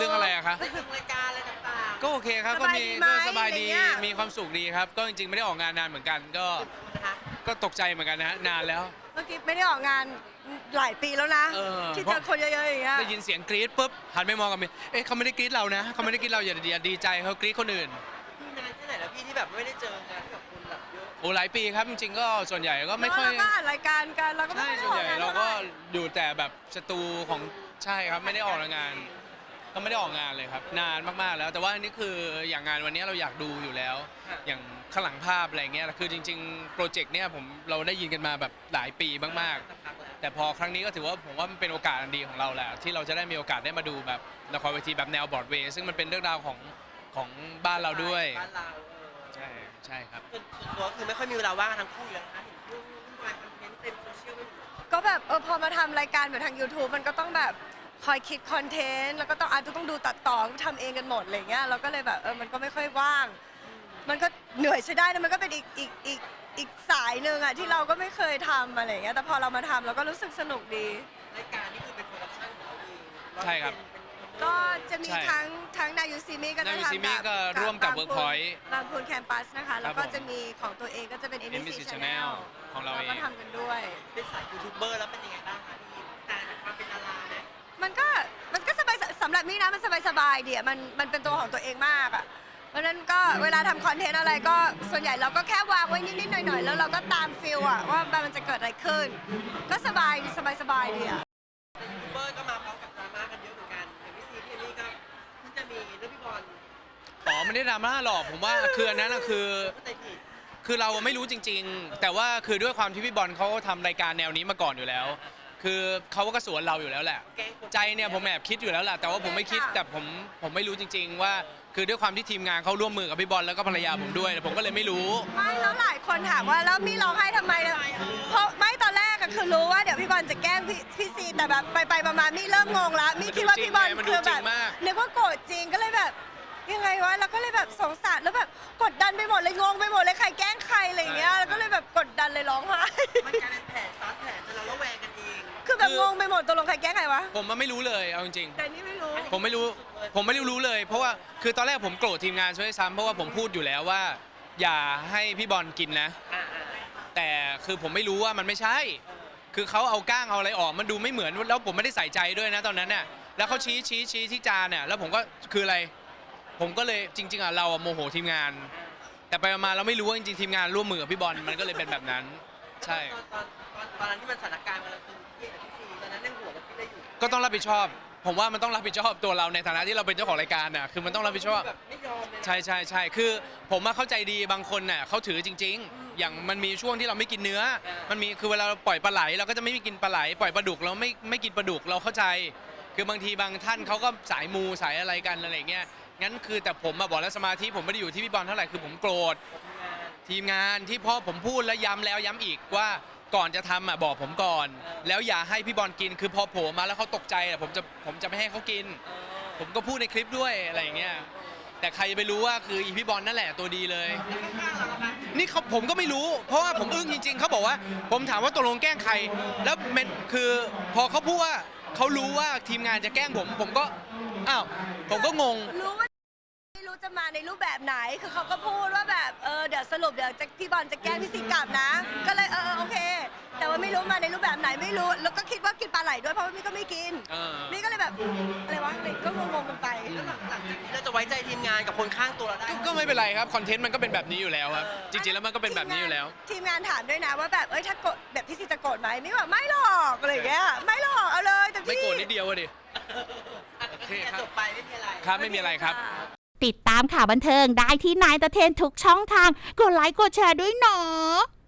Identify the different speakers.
Speaker 1: รื่องอะไรอะคะ
Speaker 2: เรื่องรายการอะไรต่างๆ
Speaker 1: ก็โอเคครับก็มี
Speaker 3: สบายดีไหม
Speaker 1: ก็สบายดี
Speaker 3: อะไรเงี้ย
Speaker 1: มีความสุขดีครับก็จริงๆไม่ได้ออกงานนานเหมือนกันก็
Speaker 2: นะคะ
Speaker 1: ก็ตกใจเหมือนกันนะฮะนานแล้ว
Speaker 3: เมื่อกี้ไม่ได้ออกงานหลายปีแล้วนะ ที่เจอคนเยอะๆอย่างเงี้ย
Speaker 1: ได้ยินเสียงกรี๊ดปุ๊บหันไปมองกันเอ๊ะเขาไม่ได้กรี๊ดเรานะเขาไม่ได้กรี๊ดเราอย่าดีใจเขากรี๊ดคนอื่น
Speaker 2: พี่นานแค่ไหนแล้วพี่ที่แบบไม่ได้เจองานกับคนแบบเยอะ
Speaker 1: โอ้หลายปีครับจริงๆก็ส่วนใหญ่ก็ไม่ค่อย
Speaker 3: แล้วเราก็อ่านรายการกันเราก็ไม่
Speaker 1: ใช่
Speaker 3: ได้
Speaker 1: ส่วน
Speaker 3: ออ
Speaker 1: ให
Speaker 3: ก
Speaker 1: ญ่
Speaker 3: งาน
Speaker 1: เรา
Speaker 3: เท่าไห
Speaker 1: ก็
Speaker 3: ร่
Speaker 1: อยู่แต่แบบสตูของใช่ครับไม่ได้ออกงาน ก็ไม่ได้ออกงานเลยครับนานมากๆแล้ว แต่ว่าอันนี้คืออย่างงานวันนี้เราอยากดูอยู่แล้ว อย่างข้างหลังภาพอะไรเงี้ยคือจริงๆโปรเจกต์เนี้ยเราได้ยินกันมาแบบหลายปีมากๆ
Speaker 2: สักพักแล้ว
Speaker 1: แต่พอครั้งนี้ก็ถือว่าผมว่ามันเป็นโอกาสอันดีของเราแหละที่เราจะได้มีโอกาสได้มาดูแบบละครเวทีแบบแนวบรอดเวย์ซึ่งมันเป็นเรื่องราวของบ้านเราด้วย
Speaker 2: บ้านเรา
Speaker 1: ใช่ครับ
Speaker 2: ส่วนตัวคือไม่ค่อยมีเวลาว่างกันทั้งคู่เลยนะคะเห็นยุ่งวายคอนเทนต์เต็มโซเชียลไปหมด
Speaker 3: ก็แบบพอมาทำรายการแบบทาง YouTube มันก็ต้องแบบคอยคิดคอนเทนต์แล้วก็ต้องดูตัดต่อทำเองกันหมดอะไรเงี้ยเราก็เลยแบบมันก็ไม่ค่อยว่าง มันก็เหนื่อยใช้ได้นะมันก็เป็นอีกสายหนึ่งอะที่เราก็ไม่เคยทำอะไรเงี้ยแต่พอเรามาทำเราก็รู้สึกสนุกดี
Speaker 2: รายการนี่คือเป็นโปรดักชั่นของเราเอง
Speaker 1: ใช่ครับ
Speaker 3: ก็จะมี
Speaker 1: ใช่
Speaker 3: ทั้งนายูซีมิก็จะ
Speaker 1: นายูซีมิ
Speaker 3: ทำ
Speaker 1: ก็ร่วมกับ Workpoint
Speaker 3: บางพูนแคมปัสนะคะแล้วก็
Speaker 1: ครับผม
Speaker 3: จะมีของตัวเองก็จะเป็น
Speaker 1: NBC
Speaker 3: NBC
Speaker 1: Channel
Speaker 3: Channel
Speaker 1: ของเราเอง
Speaker 3: ก็ทำกันด้วย
Speaker 2: เป็นสายยูทูบเบอร์แล้วเป็นยังไงบ้างคะพี่แต่ความเป็นดาราไหม
Speaker 3: มันก็สบายสำหรับมี่นะมันสบายดีอ่ะมันเป็นตัวของตัวเองมากอ่ะเพราะฉะนั้นก็เวลาทำคอนเทนต์อะไรก็ส่วนใหญ่เราก็แค่วางไว้นิดๆหน่อยๆแล้วเราก็ตามฟิลอ่ะว่ามันจะเกิดอะไรขึ้น ก็สบายดีสบายดีอ่ะ
Speaker 2: ยูทูบเบอร์ก็มาพร้อมกับดราม่ากันเยอะเหมือนกันอย่างพี่ซีพี่เอมี่ก็เพิ่งจะมีเรื่องพี่บอล
Speaker 1: อ๋อไม่ได้ดราม่าหรอกผมว่าคืออันนั้นน่ะคือ
Speaker 2: เข้าใจผิด
Speaker 1: คือเราไม่รู้จริง ๆ แต่ว่าคือด้วยความที่พี่บอลเขาทำรายการแนวนี้มาก่อนอยู่แล้ว คือเขาก็สวนเราอยู่แล้วแหละ
Speaker 2: แกล้งคน
Speaker 1: ใจเนี่ยผมแอบคิดอยู่แล้วแหละแต่ว่าผมไม่คิดแต่ผมไม่รู้จริง ๆ ว่าคือด้วยความที่ทีมงานเขาร่วมมือกับพี่บอลแล้วก็ภรรยาผมด้วยแต่ผมก็เลยไม่รู้
Speaker 3: ไม่แล้วหลายคนถามว่าแล้วมี่ร้องไห้ทำไมเนี่ยเพราะไม่ตอนแรกอะคือรู้ว่าเดี๋ยวพี่บอลจะแกล้งพี่ซีแต่แบบไปมามี่เริ่มงงแล้วมี่คิดว่าพี่บอล
Speaker 1: มันดู
Speaker 3: คือ
Speaker 1: จ
Speaker 3: แบ
Speaker 1: ริ
Speaker 3: บ
Speaker 1: งมาก
Speaker 3: นึกว่าโกรธจริงก็เลยแบบยังไงวะแล้วก็เลยแบบสงสารแล้วแบบกดดันไปหมดเลยงงไปหมดเลยใครแกล้งใครอะไรอย่างเงี้ยแล้วก็เลยแบบกดดันเลยร้องไห้
Speaker 2: มันกลายเป็นแผลซ้อนแผลจนเราระแวงกันเอง
Speaker 3: คือแบบงงไปหมดตกลงใครแกล้งใครวะ
Speaker 1: ผมมันไม่รู้เลยเอาจริง
Speaker 3: แต่นี่ไม่รู้
Speaker 1: ๆผมไม่รู้เลย เพราะว่าคือตอนแรกผมโกรธทีมงานช่วยซ้ำเพราะว่าผมพูดอยู่แล้วว่า อย่าให้พี่บอลกินนะ
Speaker 2: อ่า
Speaker 1: แต่คือผมไม่รู้ว่ามันไม่ใช่ คือเขาเอาก้างเอาอะไรออกมันดูไม่เหมือนแล้วผมไม่ได้ใส่ใจด้วยนะตอนนั้นน่ะแล้วเขาชี้ที่จานเนี่ยแล้วผมก็คืออะไร ผมก็เลยจริงๆอ่ะเราโมโหทีมงาน แต่ไปมาเราไม่รู้ว่าจริงๆทีมงานร่วมมือกับพี่บอลมันก็เลยเป็นแบบนั้น ใช่
Speaker 2: ตอนนั้นที่มันสถานการณ์มันคือพี่กับพี่ซีตอนนั้นยังหัวเราคิดได้อยู่
Speaker 1: ก็ต้องรับผิดชอบ ผมว่ามันต้องรับผิดชอบตัวเราในฐานะที่เราเป็นเจ้าของรายการน่ะคือมันต้องรับผิดชอบ
Speaker 2: แบบไม่ยอมเลยนะ
Speaker 1: ใช่คือผมมาเข้าใจดีบางคนน่ะเขาถือจริง ๆ อย่างมันมีช่วงที่เราไม่กินเนื้อ มันมีคือเวลาเราปล่อยปลาไหลเราก็จะไม่กินปลาไหลปล่อยปลาดุกเราไม่กินปลาดุกเราเข้าใจ คือบางทีบางท่านเขาก็สายมูสายอะไรกันอะไรเงี้ยงั้นคือแต่ผมมาบอกแล้วสมาธิผมไม่ได้อยู่ที่พี่บอลเท่าไหร่คือผมโกรธทีมงานที่พ่อผมพูดแล้วย้ำแล้วย้ำอีกว่าก่อนจะทำอ่ะบอกผมก่อน แล้วอย่าให้พี่บอลกินคือพอโผล่มาแล้วเขาตกใจอ่ะผมจะไม่ให้เขากิน ผมก็พูดในคลิปด้วยอะไรอย่างเงี้ยแต่ใครจะไปรู้ว่าคืออีพี่บอลนั่นแหละตัวดีเลย นี่ผมก็ไม่รู้ เพราะว่าผมอึ้งจริงๆเขาบอกว่า ผมถามว่าตกลงแกล้งใคร แล้วมันคือพอเขาพูดว่าเขารู้ว่าทีมงานจะแกล้งผมก็อ้าวผมก็งง
Speaker 3: รู้ว่าไม่รู้จะมาในรูปแบบไหนคือเขาก็พูดว่าแบบเดี๋ยวสรุปเดี๋ยวพี่บอลจะแกล้งพี่ซีกลับนะ ก็เลยโอเค แต่ว่าไม่รู้มาในรูปแบบไหนไม่รู้แล้วก็คิดว่ากินปลาไหลด้วยเพราะว่ามี่ก็ไม่กิน นี่ก็เลยแบบอะไรวะอะไรก็งงๆกันไป
Speaker 2: แล้วหลังจากนี้เราจะไว้ใจทีมงานกับคนข้างตัวเราได้
Speaker 1: ก็ไม่เป็นไรครับคอนเทนต์มันก็เป็นแบบนี้อยู่แล้วครับจริงๆแล้วมันก็เป็นแบบนี้อยู่แล้ว
Speaker 3: ทีมงานถามด้วยนะว่าแบบถ้าโกรธแบบพี่ซีจะโกรธไหมไม่บอกไม่หรอกอะไรอย่างเงี้ยไม่หรอกเอาเลยแต่พี่
Speaker 1: ไม่โกรธนิดเดียวอะดิ
Speaker 2: โอเคจบไปไม่มีอะไร
Speaker 1: ครับไม่มีอะไรครับ
Speaker 4: ติดตามข่าวบันเทิงได้ที่นายตะเทนทุกช่องทาง กดไลค์กดแชร์ด้วยเนาะ